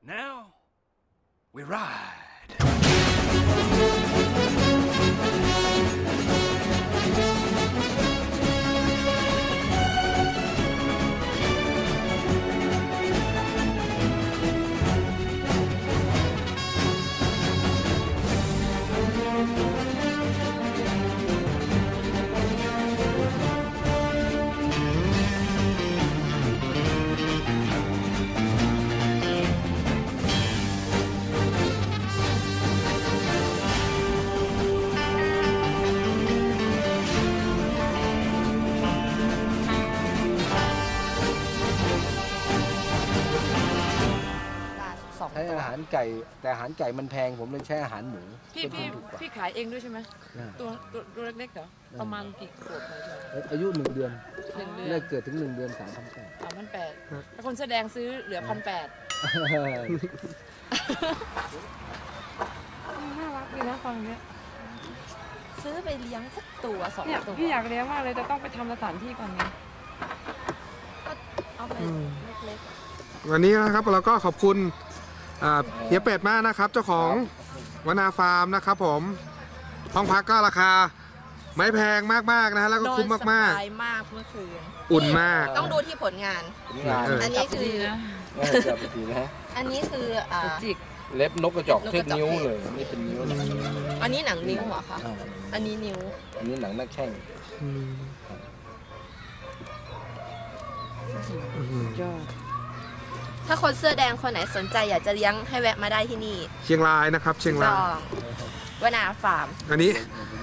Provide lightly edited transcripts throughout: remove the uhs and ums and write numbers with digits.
Now we ride. ใช้อาหารไก่แต่อาหารไก่มันแพงผมเลยใช้อาหารหมูพี่ขายเองด้วยใช่ไหมตัวเล็กๆเหรอประมาณกี่ขวบเลยอายุ1 เดือน 1 เดือนแรกเกิดถึง1 เดือน3,800 ถ้าคนแสดงซื้อเหลือ1,800น่ารักดีนะฟังเนี้ยซื้อไปเลี้ยงสักตัว2 เนี่ยตัวพี่อยากเลี้ยงมากเลยแต่ต้องไปทำสถานที่ก่อนไงก็เอาไปเล็กๆวันนี้นะครับเราก็ขอบคุณเฮียเป็ดมากนะครับเจ้าของวนาฟาร์มนะครับผมห้องพักก็ราคาไม่แพงมากๆนะฮะแล้วก็คุ้มมากๆสบายมากเมื่อคืนอุ่นมากต้องดูที่ผลงานอันนี้คืออันนี้คือจิกเล็บนกกระจอกเทียบนิ้วเลยนี่เป็นนิ้วอันนี้หนังนิ้วเหรอคะอันนี้นิ้วอันนี้หนังหน้าแข้งถ้าคนเสื้อแดงคนไหนสนใจอยากจะเลี้ยงให้แวะมาได้ที่นี่เชียงรายนะครับเชียงรายวนาฟาร์มอันนี้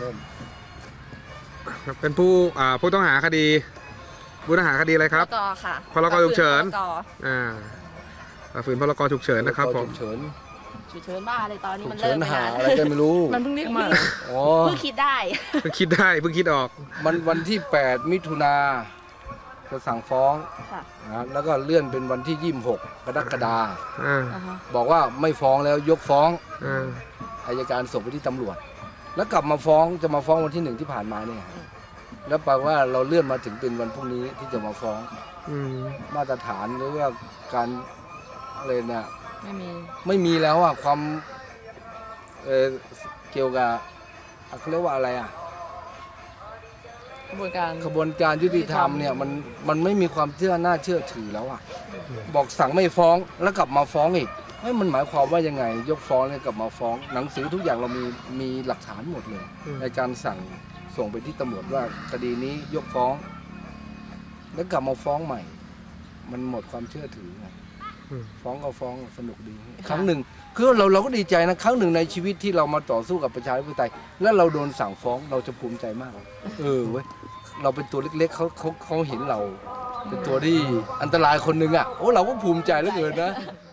เป็นผู้ต้องหาคดีผู้ต้องหาคดีอะไรครับพรกฉุกเฉินฝืนพรกฉุกเฉินนะครับผมฉุกเฉินบ้าอะไรตอนนี้มันเริ่มหาอะไรกันไม่รู้มันเพิ่งเรียกมาเพิ่งคิดได้เพิ่งคิดออกวันที่8 มิถุนาจะสั่งฟ้องแล้วก็เลื่อนเป็นวันที่26 กรกฎาคมบอกว่าไม่ฟ้องแล้วยกฟ้องอัยการส่งไปที่ตำรวจแล้วกลับมาฟ้องจะมาฟ้องวันที่1ที่ผ่านมาเนี่ยแล้วแปลว่าเราเลื่อนมาถึงเป็นวันพรุ่งนี้ที่จะมาฟ้องมาตรฐานหรือว่าการอะไรเนี่ยไม่มีแล้วอ่ะความเกี่ยวกับเขาเรียกว่าอะไรอ่ะกระบวนการยุติธรรมเนี่ยมันไม่มีความน่าเชื่อถือแล้วอ่ะบอกสั่งไม่ฟ้องแล้วกลับมาฟ้องอีกมันหมายความว่ายังไงยกฟ้องเนี่ยกลับมาฟ้องหนังสือทุกอย่างเรามีหลักฐานหมดเลยในการสั่งส่งไปที่ตำรวจว่าคดีนี้ยกฟ้องแล้วกลับมาฟ้องใหม่มันหมดความเชื่อถือไงฟ้องก็ฟ้องสนุกดีครั้งหนึ่งคือเราก็ดีใจนะครั้งหนึ่งในชีวิตที่เรามาต่อสู้กับประชาธิปไตยแล้วเราโดนสั่งฟ้องเราจะภูมิใจมากเว้ยเราเป็นตัวเล็กๆเขาเห็นเราเป็นตัวที่อันตรายคนหนึ่งอ่ะเราก็ภูมิใจเหลือเกินนะ